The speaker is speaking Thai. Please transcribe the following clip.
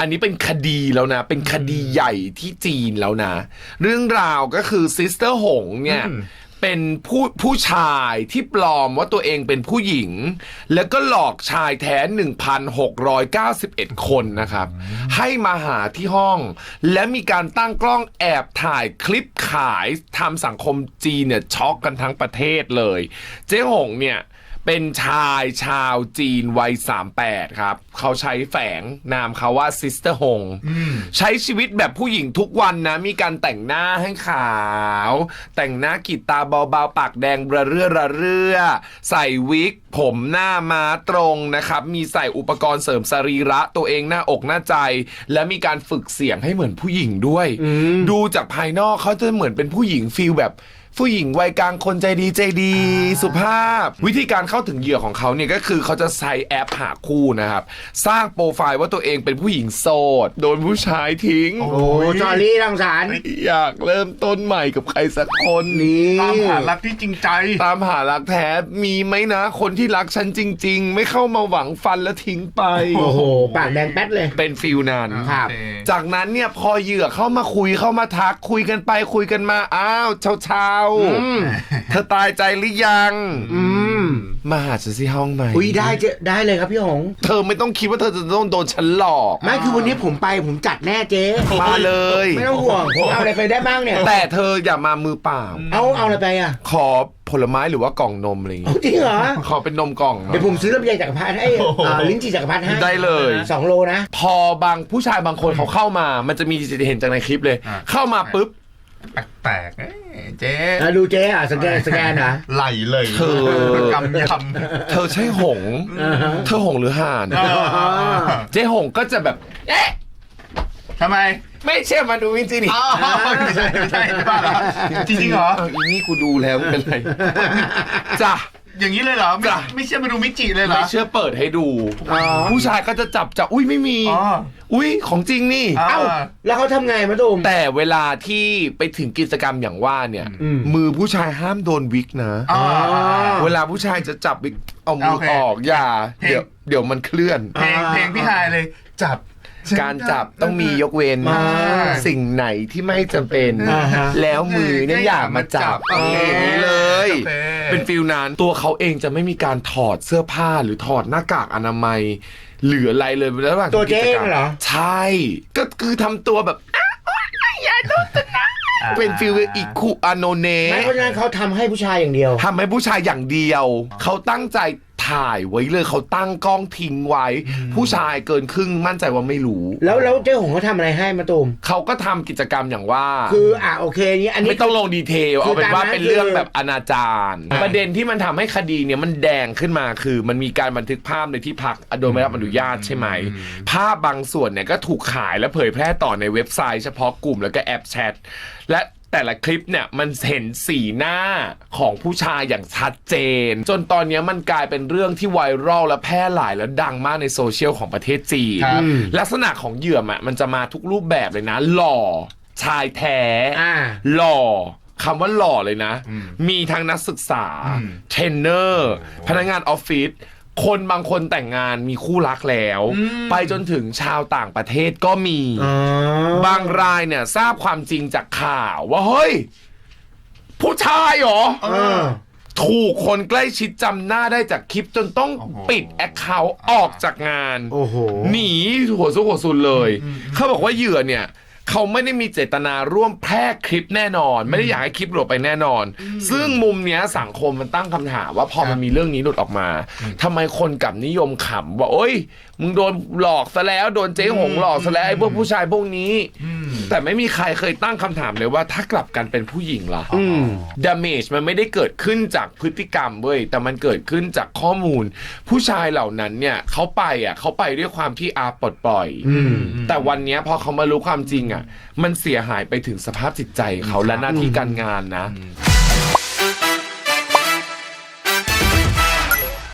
นนี้เป็นคดีแล้วนะเป็นคดีใหญ่ที่จีนแล้วนะเรื่องราวก็คือซิสเตอร์หงเนี่ยเป็นผู้ชายที่ปลอมว่าตัวเองเป็นผู้หญิงแล้วก็หลอกชายแท้ 1,691 คนนะครับให้มาหาที่ห้องและมีการตั้งกล้องแอบถ่ายคลิปขายทำสังคมจีนเนี่ยช็อกกันทั้งประเทศเลยเจ๊หงเนี่ยเป็นชายชาวจีนวัย38ครับเขาใช้แฝงนามเขาว่าซิสเตอร์หงใช้ชีวิตแบบผู้หญิงทุกวันนะมีการแต่งหน้าให้ขาวแต่งหน้ากรีดตาเบาๆปากแดงระเรื่อใส่วิกผมหน้าม้าตรงนะครับมีใส่อุปกรณ์เสริมสรีระตัวเองหน้าอกหน้าใจและมีการฝึกเสียงให้เหมือนผู้หญิงด้วยดูจากภายนอกเขาจะเหมือนเป็นผู้หญิงฟีลแบบผู้หญิงวัยกลางคนใจดีสุภาพวิธีการเข้าถึงเหยื่อของเขาเนี่ยก็คือเขาจะใช้แอปหาคู่นะครับสร้างโปรไฟล์ว่าตัวเองเป็นผู้หญิงโสดโดนผู้ชายทิ้งโอ้จอรี่รังสรรค์อยากเริ่มต้นใหม่กับใครสักคนนี้ตามหารักที่จริงใจตามหารักแท้มีไหมนะคนที่รักฉันจริงๆไม่เข้ามาหวังฟันแล้วทิ้งไปโอ้โหปากแดงแป๊ดเลยเป็นฟิลนั้นครับจากนั้นเนี่ยพอเหยื่อเข้ามาคุยเข้ามาทักคุยกันไปคุยกันมาอ้าวเช้าเธอตายใจหรือยังมาหาฉันที่ห้องไหมอุ้ยได้เลยครับพี่หงเธอไม่ต้องคิดว่าเธอจะต้องโดนฉันหลอกไม่คือวันนี้ผมจัดแน่เจ๊มาเลยไม่ต้องห่วงผมเอาอะไรไปได้บ้างเนี่ยแต่เธออย่ามามือเปล่าเอาอะไรไปอ่ะขอผลไม้หรือว่ากล่องนมอะไรอย่างเงี้ยจริงเหรอขอเป็นนมกล่องเดี๋ยวผมซื้อลำไยจักรพรรดิให้ลิ้นจี่จักรพรรดิให้ได้เลย 2 โลนะพอบางผู้ชายบางคนเขาเข้ามามันจะมีเห็นจากในคลิปเลยเข้ามาปุ๊บแปลกเจ๊ดูเจ๊อ่ะสแกนนะไหลเลยเธอกำยำเธอใช่หงเธอหงหรือห่านเจ๊หงก็จะแบบเอ๊ะทำไมไม่เชื่อมาดูวินจีนี่ไม่ใช่บ้าเหรอจริงเหรออีนี่กูดูแล้วเป็นไรจ้ะอย่างนี้เลยเหรอไม่เชื่อมาดูมิจิเลยเหรอไม่เชื่อเปิดให้ดูผู้ชายก็จะจับอุ้ยไม่มีอุ้ยของจริงนี่เอ้าแล้วเขาทำไงมาตูมแต่เวลาที่ไปถึงกิจกรรมอย่างว่าเนี่ยมือผู้ชายห้ามโดนวิกนะเวลาผู้ชายจะจับวิกเอามือออกอย่าเดี๋ยวมันเคลื่อนเพลงพี่ฮายเลยจับการจับต้องมียกเว้นสิ่งไหนที่ไม่จำเป็นแล้วมือเนี่ยอย่ามาจับอย่างนี้เลยเป็นฟิลนั้นตัวเขาเองจะไม่มีการถอดเสื้อผ้าหรือถอดหน้ากากอนามัยเหลืออะไรเลยระหว่างตัวเจ๊เหรอใช่ก็คือทำตัวแบบอย่าโดนตัวนะเป็นฟิลอิคุอาโนเนะเพราะฉะนั้นเขาทำให้ผู้ชายอย่างเดียวทำให้ผู้ชายอย่างเดียวเขาตั้งใจถ่ายไว้เลยเขาตั้งกล้องทิ้งไว้ผู้ชายเกินครึ่งมั่นใจว่าไม่รู้แล้วเจ้าหงเขาทำอะไรให้มาตูมเขาก็ทำกิจกรรมอย่างว่าคือโอเคนี้อันนี้ไม่ต้องลงดีเทลเอาเป็นว่าเป็นเรื่องแบบอนาจารประเด็นที่มันทำให้คดีเนี่ยมันแดงขึ้นมาคือมันมีการบันทึกภาพในที่พักโดยไม่รับอนุญาตใช่ไหมภาพบางส่วนเนี่ยก็ถูกขายและเผยแพร่ต่อในเว็บไซต์เฉพาะกลุ่มแล้วก็แอปแชทและแต่ละคลิปเนี่ยมันเห็นสีหน้าของผู้ชายอย่างชัดเจนจนตอนนี้มันกลายเป็นเรื่องที่ไวรัลและแพร่หลายและดังมากในโซเชียลของประเทศจีนลักษณะของเหยื่อมันจะมาทุกรูปแบบเลยนะหล่อชายแท้หล่อคำว่าหล่อเลยนะมีทั้งนักศึกษาเทรนเนอร์พนักงานออฟฟิศคนบางคนแต่งงานมีคู่รักแล้วไปจนถึงชาวต่างประเทศก็มีบางรายเนี่ยทราบความจริงจากข่าวว่าเฮ้ยผู้ชายเหรอถูกคนใกล้ชิดจำหน้าได้จากคลิปจนต้องปิดแอคเคาท์ออกจากงานหนีหัวซุกหัวซุนเลยเขาบอกว่าเหยื่อเนี่ยเขาไม่ได้มีเจตนาร่วมแพร่คลิปแน่นอนไม่ได้อยากให้คลิปหลุดไปแน่นอนซึ่งมุมเนี้ยสังคมมันตั้งคำถามว่าพอมันมีเรื่องนี้หลุดออกมาทำไมคนกลับนิยมขำว่าโอ๊ยมึงโดนหลอกซะแล้วโดนเจ๊หงหลอกซะแล้วไอ้พวกผู้ชายพวกนี้แต่ไม่มีใครเคยตั้งคำถามเลยว่าถ้ากลับกันเป็นผู้หญิงล่ะdamage มันไม่ได้เกิดขึ้นจากพฤติกรรมเว้ยแต่มันเกิดขึ้นจากข้อมูลผู้ชายเหล่านั้นเนี่ยเขาไปด้วยความที่ปลดปล่อยแต่วันนี้พอเขามารู้ความจริงมันเสียหายไปถึงสภาพจิตใจเขาและหน้าที่การงานนะ